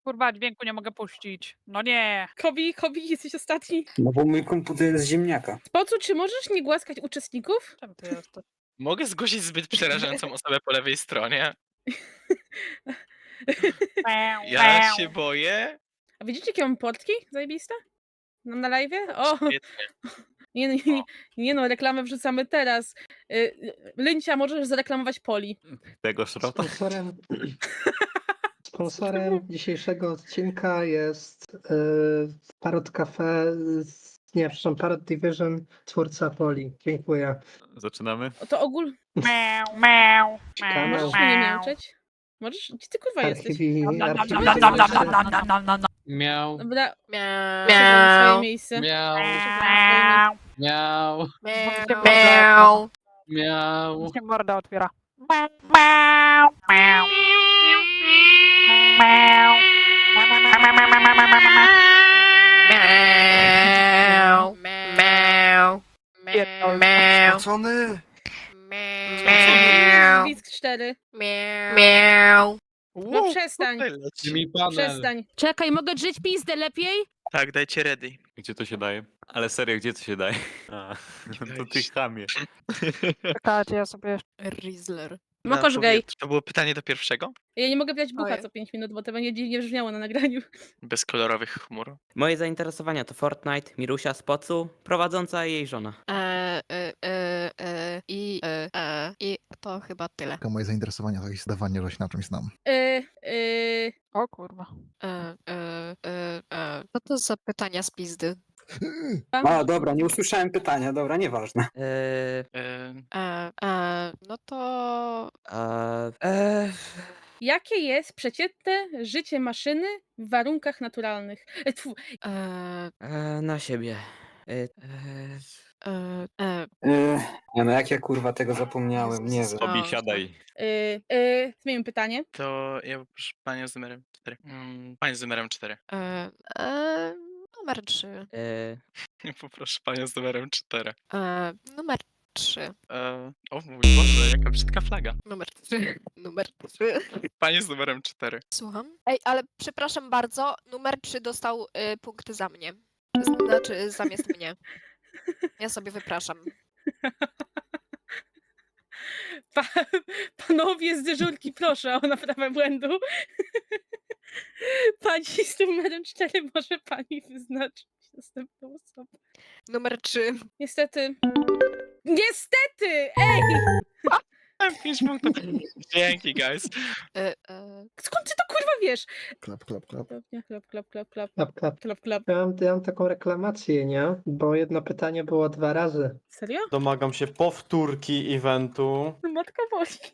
Kurwa, dźwięku nie mogę puścić. No nie. Kobi, jesteś ostatni. No bo mój komputer jest z ziemniaka. Spocu, czy możesz nie głaskać uczestników? Czemu ty jesteś? Mogę zgłosić zbyt przerażającą osobę po lewej stronie? Ja się boję. A widzicie, jakie mam portki zajebiste? Na live? O! Świetnie. Nie no, reklamę wrzucamy teraz. Lyncia, możesz zareklamować Poli. Tego szrota? Sponsorem dzisiejszego odcinka jest Parrot Cafe, nie, przepraszam, Parrot Division, twórca Poli. Dziękuję. Zaczynamy? To ogól... Kanał Możesz mnie nie miauczeć? Możesz? Gdzie ty kurwa jesteś? Archiwi, Miał, Dobra, Miau. na swoje miejsce. miał, miał, Miau. miał. Się morda otwiera. Miau. Miau. Pierdol. Miau. Spocony! Miau. Blisk 4. Miau. No przestań. Mi panel. Przestań. Czekaj, mogę drzeć pizdę lepiej? Tak, dajcie ready. Gdzie to się daje? Ale serio, gdzie to się daje? A, to ty chamie. Czekajcie, ja sobie... Rizzler. Mokosz gej. To było pytanie do pierwszego? Ja nie mogę brać bucha Ojej. co 5 minut, bo to będzie dziwnie brzmiało na nagraniu. Bez kolorowych chmur. Moje zainteresowania to Fortnite, Mirusia z Pocu, prowadząca i jej żona. I to chyba tyle. Moje zainteresowania to jest zdawanie, że się na czymś znam. O kurwa. Co to za pytania z pizdy? A, dobra, nie usłyszałem pytania, dobra, nieważne. No to... Jakie jest przeciętne życie maszyny w warunkach naturalnych? na siebie. Nie no, jak ja kurwa tego zapomniałem, nie wiem. Tobi, siadaj. Zmienimy pytanie. To ja poproszę panią z numerem 4. Panią z numerem 4. Numer 3. Poproszę panią z numerem 4. Numer 3. O mój Boże, jaka brzydka flaga. Numer 3. Numer 3. Pani z numerem 4. Słucham? Ej, ale przepraszam bardzo, numer 3 dostał punkty za mnie. Znaczy, zamiast mnie. Ja sobie wypraszam. Panowie z dyżurki, proszę o naprawę błędu. Pani z numerem 4, może pani wyznaczyć następną osobę. Numer 3. Niestety. Niestety! Ej! 5 punktów. Dzięki, guys. Skąd ty to kurwa wiesz? Klap, klap, klap. Klap. Ja mam taką reklamację, nie? Bo jedno pytanie było 2 razy. Serio? Domagam się powtórki eventu. No matka woli.